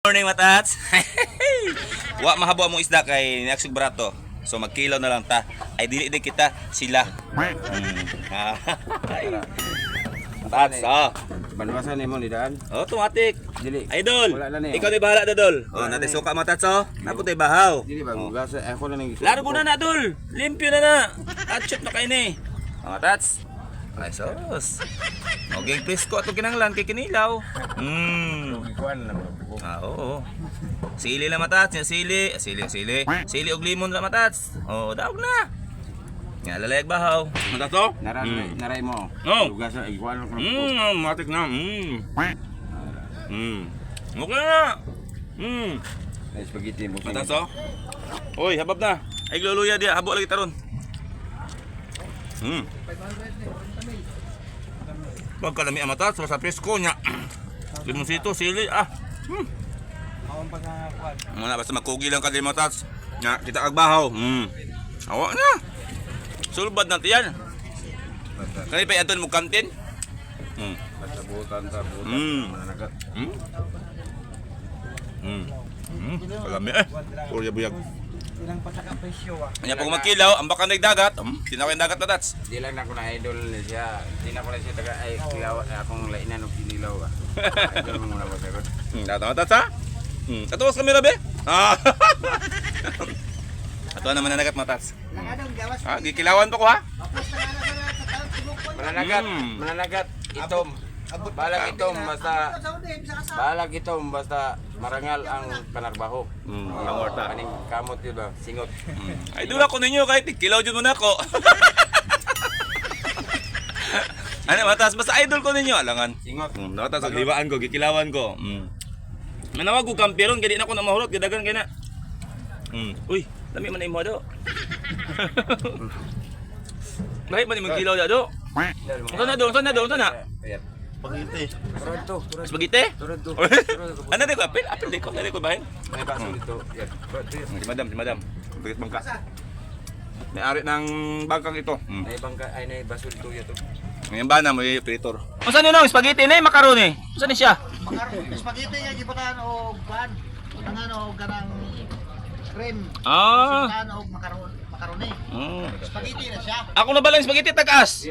Morning matats. Wa mahabo among isda kay naksug barato. So magkilaw na lang ta. Ay dili di kita sila. Matats, oh. Banwasan mo ni daan. Oh, automatic. Dili. Idol. Wala na ni. Ikaw di bahala dodol. Oh, Wala natin na. suka matats oh. Naputay bahaw. Dili ba gasa ako na nang Laro ko na na dol. Limpyo na na. Atchop na kay ni. Oh, matats. Ay sos. Okay, presko ato kinanglan kay kinilaw. Kuan na mo. Oo. Sili lang matats, yung sili. Sili. Sili og limon lang matats. Oo, daog na. Nga lalayag bahaw. Matats to? Naray mo. Oh. Gasa igual ko. Matik na. Okay na. Ay spaghetti mo. Matats to? Oy, habab na. Ay gluluya dia, habo lagi taron. Wag ka lami ang matats, sa presko nya. Limonsito, sili, Muna basta magkugi lang ka din matats. Nga, kita agbahaw. Awa na. Sulbad na tiyan. Kani pa yaton mo kantin? Sabutan. Managat. Kalami Purya buyag. Ilang pataka presyo Kanya pag magkilaw, ang baka nagdagat. Tinawin dagat na tats. Di lang na ko na idol ni siya. Di na ko na siya taga ay kilaw akong lainan og kinilaw. Idol mo na ba sagot? Tama tats ha? Katuwas kami rabe? Ato naman na nagat matats. Nangadong gawas. Gikilawan pa ko ha? Tapos nangadong sa taon tibok. Mananagat itom. Balag itom basta marangal ang panarbaho. Pangorta. Kaning kamot yun ba? Singot. Ay dula ko ninyo kahit kilaw dyan muna ako. Ano matas basta idol ko ninyo alangan. Singot. Natas ang libaan ko, gikilawan ko. Manawag ko kampiron kaya di na ako na mahurot, gadagan kaya na. Uy, dami man na imo do. Mahit man imong kilaw do. Unsa na do? Spaghetti. Turado. Spaghetti? Turado. Ano di ko apil? Apil di ko, dali ko bahin. May baso dito. Yan. Si madam. Bigit bangka. May-ari ng bangkang ito. May bangka ay may baso dito yato. Ngayon ba na may operator? Unsa ni nong spaghetti na macaroni? Unsa ni siya? Spaghetti nga gibutan og ban. Tangan og ganang cream. Ah. Tangan og macaroni. Spaghetti na siya. Ako na ba lang spaghetti tagas?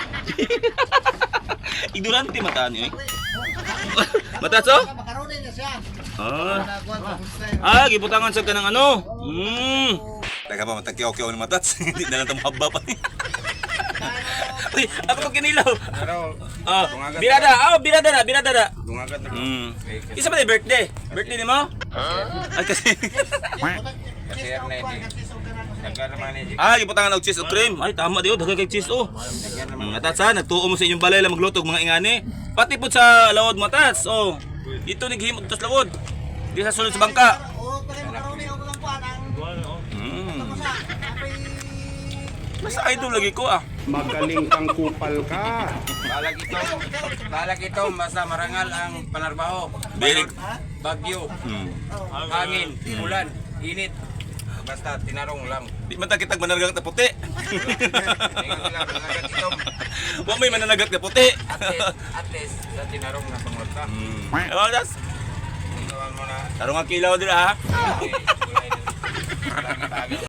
Ignorante mata niyo eh. Mataso? Macaroni na siya. Gibutangan sa kanang ano. Teka pa matagkiyaw-kiyaw ng matats. Hindi na lang tumahaba pa. Uy, ako pag kinilaw. Birada na. Dungagat na. Isa ba na birthday? Birthday ni mo? Ay kasi. Kasi na ini. Nagkano man ni. Gibutangan og cheese o cream. Ay tama diyo, daghan kay cheese o. Matats ha, nagtuo mo sa inyong balay lang maglutog mga ingani. Pati po sa lawod matats. Oh. Ito naghimog tas lawod. Di sa sulod sa bangka. O pag macaroni og lang kuan ang Basta idol lagi ko Magaling kang kupal ka. Balag ito basta marangal ang panarbaho. Bilig. Bagyo. Hangin, ulan, init. Basta tinarong lang. Di man ta kitag mananagat na puti. Tingnan nila mananagat ito. Wa may mananagat na puti. At least sa tinarong na pangorta. Oh, das. Tingnan mo na. Tarong ang kilaw dira ha. Okay, kulay na. Lagi